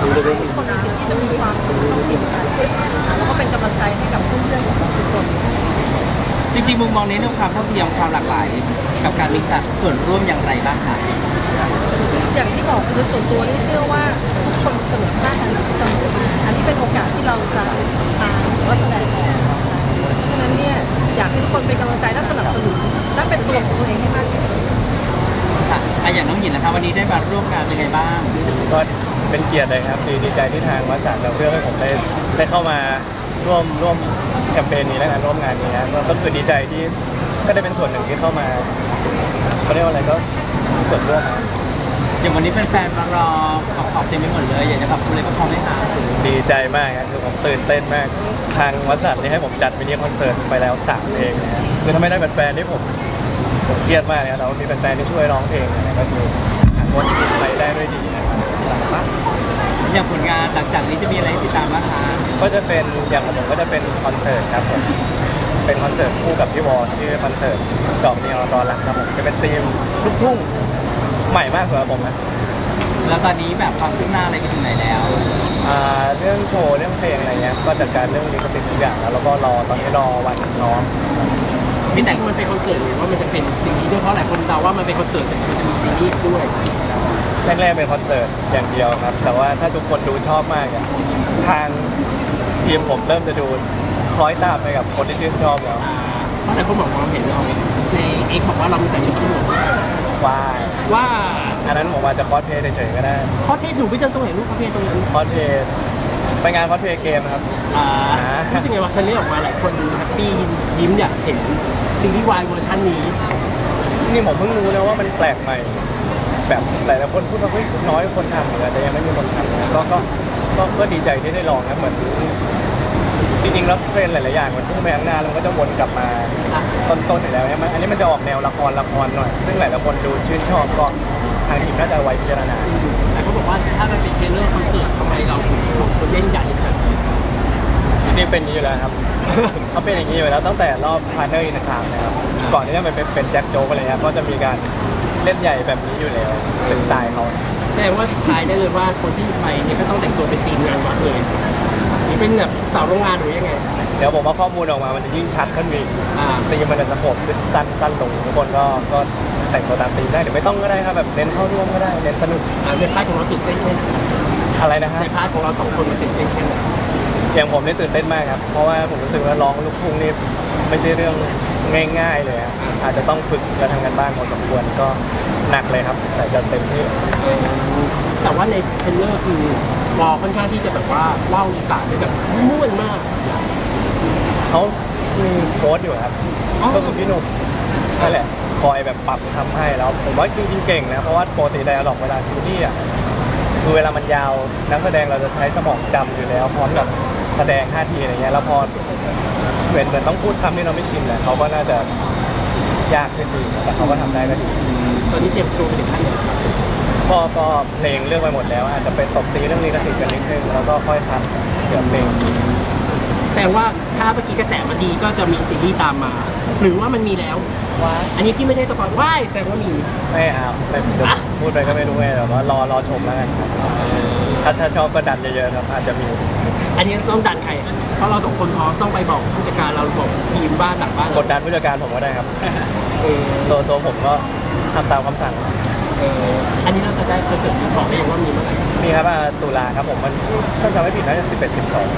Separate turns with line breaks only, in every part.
ทุกคนมีสิทธิ์ที่จะมีความสุขเท่าเทียมกันแล้วก็เป็นกำลังใจให้กับเพื่อนๆของเราทุกคน
จริงๆมุมมองในเรื่องความเท่าเทียมความหลากหลายกับการมีส่วนร่วมอย่างไรบ้างคะ
อย่างที่บอกคือส่วนตัวนี่เชื่อว่าทุกคนเสมอภาคกันเสมออันนี้เป็นโอกาสที่เราจะใช้หรือว่าแสดงออกฉะนั้นเนี่ยอยากให้ทุกคนเป็นกำลังใจและสนับสนุนและเป็นตัวของตัวเองให้มากที่สุด
ค่ะอย่างน้องหญิงนะคะวันนี้ได้มาร่วมงานเป็นไงบ้าง
ก็เป็นเกียรติเลยครับดีใจที่ทางวัดสันเราเลือกให้ผมได้เข้ามาร่วมแคมเปญนี้และร่วมงานนี้นะก็คือดีใจที่ก็ได้เป็นส่วนหนึ่งที่เข้ามาเขาเรียกว่าอะไรก็ส่วนร่วม
อย่างวันนี้แฟนๆมารอขอบเต็มไปหมดเลยอยากจะขอบคุณเลยก็พอไม่หา
ดีใจมากครับคือผมตื่นเต้นมากทางวัดสันนี่ให้ผมจัดมินิคอนเสิร์ตไปแล้ว3 เพลงนะคือถ้าไม่ได้แฟนๆที่ผมเครียดมากนะเรามีแฟนๆที่ช่วยร้องเพลงนะก็คือวนไปได้ด้วยดีนะครับ
อย่างผลงานหลังจากนี้จะมีอะไรติดตามบ้างคะ
ก็จะเป็นอย่างของผมก็จะเป็นคอนเสิร์ตครับผมเป็นคอนเสิร์ตคู่กับพี่วอชื่อคอนเสิร์ตดอกเดียวรอรักครับผมจะเป็นธีมลูกทุ่งใหม่มากสำหรับผมนะ
แล้วตอนนี้แบบความคืบหน้าอะไรไปถึงไหนแล้ว
เรื่องโชว์เรื่องเพลงอะไรเงี้ยก็จัดการเรื่องลิขสิทธิ์ทุกอย่างแล้วก็ตอนนี้รอวันซ้อม
พี่แต่งมันเป็นคอนเสิร์ตหรือว่ามันจะเป็นซีรีส์ด้วยเพราะหลายคนเดาว่ามันเป็นคอนเสิร์ตแต่มันจะมีซีรีส์ด้วย
แรกๆเป็นคอนเสิร์ตอย่างเดียวครับแต่ว่าถ้าทุกคนดูชอบมากทางทีมผมเริ่มจะดูคล้อยตามไปกับคนที่ชื่นชอบแล้ว
เพราะหลายคนบอกว่าเห็นเราในเอ็กบอกว่าเรามีใส่ชุดตำรวจว่า
อันนั้นผมอาจจะคอสเพลย์เฉยๆก็ได้
คอสเพลย์หนูไปเจอตรงไหนลูกคอสเพลย์ตรงนั้น
คอสเพลย์ไปงานคอสเพลย์เกมครับ
รู้สึกไงว่าคันนี้ออกมาหลายคนแฮปปี้ยิ้มอยากเห็นซีรีส์วายเวอร์ชันนี้
นี่ผมเพิ่งรู้นะว่ามันแปลกใหม่แบบหลายคนพูดว่าเฮ้ยน้อยคนทำอาจจะยังไม่มีคนทำก็ดีใจที่ได้ลองนะเหมือนจริงๆแล้วเทรนหลายๆอย่างมันพุ่งไปข้างหน้าแล้วก็จะวนกลับมาต้นๆอยู่แล้วใช่ไหมอันนี้มันจะออกแนวละครหน่อยซึ่งหลายๆคนดูชื่นชอบก็ทางทีมน่าจะไว้พิจารณา
แต่เขาบอกว่าถ้ามันเป็นเทเลอร์คอนเสิร์ตทำไมเราส่งคนเล่นใหญ่ขนาดนี้
นี่เป็นอย่างนี้อยู่แล้วครับเขาเป็นอย่างนี้อยู่แล้วตั้งแต่รอบพาร์เนอร์อินทามนะครับก่อนที่จะไปเป็นแจ็คโจ๊กอะไรเงี้ยก็จะมีการเล่นใหญ่แบบนี้อยู่แล้วเป็นสไตล์เขา
แสดงว่าทายได้เลยว่าคนที่ไปเนี่ยก็ต้องแต่งตัวเป็นทีมงานวัดเลยนี่เป็นแบบสาวโรงงานหรือยังไง
เดี๋ยวผมว่าข้อมูลออกมามันจะยิ่งชัดขึ้นอีกตีมันจะสะกดขึ้นสั้นลงทุกคนก็แต่งตัวตามตีมได้หรือไม่ต้องก็ได้ครับแบบเน้นเข้าร่วมก็ได้เน้นสนุก
ในพาร์ทของเราตื่นเต้นแค่ไหน
อะไรนะฮะ
ในพาร์ทของเรา2 คนมันตื่นเต้นแค่ไหน
อย่างผมนี่ตื่นเต้นมากครับเพราะว่าผมรู้สึกว่าร้องลูกทุ่งนี่ไม่ใช่เรื่องง่ายๆเลยอาจจะต้องฝึกและทำกันบ้านพอสมควรก็หนักเลยครับแต่จะเต็มที่
แต่ว่าในเทรลเลอร์คือวอค่อนข้างที่จะแบบว่าเล่าอีสานได้แบบม่วนมาก
เขามีโค้ดอยู่ครับก็คือพี่หนุ่มนั่นแหละคอยแบบปรับทำให้แล้วผมว่าจริงๆเก่งนะเพราะว่าปกติไดอะล็อกเวลาซีรีส์คือเวลามันยาวนักแสดงเราจะใช้สมองจำอยู่แล้วพร้อมกับแสดงท่าทีอะไรเงี้ยแล้วพอเหมือนต้องพูดคำที่เราไม่ชินเลยเขาก็น่าจะยากขึ้นดีแต่เขาก็ทำได้ก็ดี
ตอนนี้เตรียมตัวไปถึงขั้นไหน
ก็เพลงเลือกไปหมดแล้วอาจจะไปตบตีเรื่องลิขสิทธิ์กันนิดนึงแล้วก็ค่อยคัดเกี่ยวกับเพลง
แสดงว่าถ้าเมื่อกี้กระแสมาดีก็จะมีซีรีส์ตามมาหรือว่ามันมีแล้ว
ว่า
อันนี้พี่ไม่ได้สปอยว่าแสดงว่ามี
ไม่เอาพูดไปก็ไม่รู้ไงแต่ว่ารอชมแล้วกันถ้าชอบก็ดันเยอะๆครับอาจจะมี
อันนี้ต้องดันใครเพราะเรา2 คนพร้อมต้องไปบอกผู้จัดการเราบอกทีมบ้านหลังบ้าน
กดดันผู้จัดการผมก็ได้ครับตัวผมก็ทำตามคำสั่ง
อันนี้เราจะได้คอนเสิร์ตบอกได้ยังว่ามีเมื่อไหร่
มีครับตุลาครับผมมันถ้าจำไม่ผิดน่าจะ11-12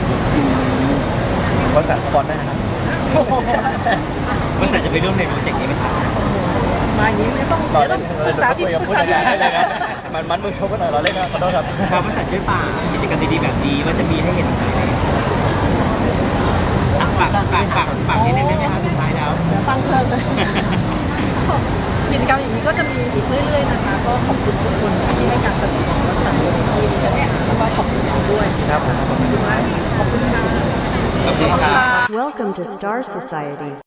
บริษัทก่อนได้ครับ
บริษัทจะไปร่วมในโปรเจกต์นี้ไหมครับ
มาอย่างนี้ไม่ต้องปรึกษาที่
ปรึกษาที่เลยนะมันมือชกกันหน่อยเราเล่นนะขอโทษครับ
บริษัทช่วยป่ากิจกรรมดีๆแบบนี้ว่าจะมีให้เห็นฝากนิดนึงได้ไหมครับสุดท้ายแล้ว
ฟังเพลินเลยกิจกรรมอย่างนี้ก็จะมีอีกเรื่อยๆนะคะก็ขอบคุณทุกคนที่ให้การสนับสนุนและสั่งที่แล้วก็ขอบคุณด้วย
ครับ
ขอบคุณมากขอบคุณค่ะ
ขอบคุณค่ะ
Welcome to Star Society